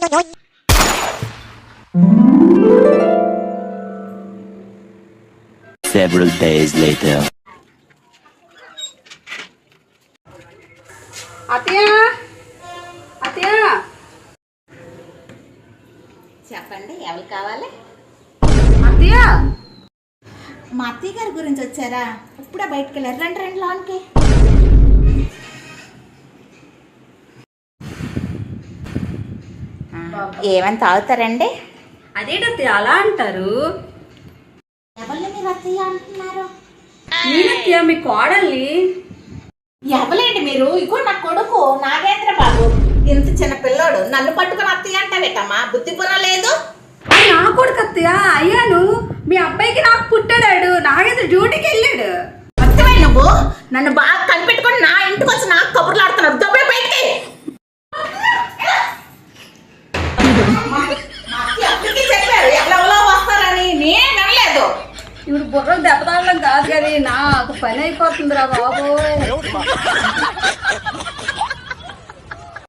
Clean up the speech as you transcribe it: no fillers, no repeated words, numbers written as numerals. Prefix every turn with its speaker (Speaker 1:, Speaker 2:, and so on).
Speaker 1: Several days later.
Speaker 2: చెప్పండి, ఎవరు కావాలి?
Speaker 3: అత్తయ్య,
Speaker 2: మా అత్తయ్య గారి గురించి వచ్చారా? ఇప్పుడే బయటకు వెళ్ళారు. రండి రండి లోన్కి. ఏమని తాగుతారండి?
Speaker 3: అదేంటత్తయ్య అలా అంటారు?
Speaker 2: ఎవరిని మీరు అత్తయ్య అంటున్నారు?
Speaker 3: నేనత్తయ్య మీ కోడల్ని.
Speaker 2: ఎవలేండి మీరు? ఇగో నా కొడుకు నాగేంద్ర బాబు. ఇంత చిన్న పిల్లోడు నన్ను పట్టుకుని అత్తయ్య అంటావేటమ్మా? బుద్ధి పొరలేదు.
Speaker 3: నా కొడుకు అత్తయ్య అయ్యాను. మీ అబ్బాయికి నాకు పుట్టాడు. నాగేంద్ర డ్యూటీకి వెళ్ళాడు.
Speaker 2: అత్తయ్య నువ్వు నన్ను బాగా కనిపెట్టుకుని నా ఇంటికి వచ్చి నాకు కబుర్లు ఆడుతున్నావు. దొబ్బే బయటికి. చెప్పారు ఎవరెవరో వస్తారని, నేను వినలేదు.
Speaker 3: ఇప్పుడు బుర్ర దెబ్బతాడడం కాదు కానీ నాకు పని అయిపోతుందిరా బాబోయ్.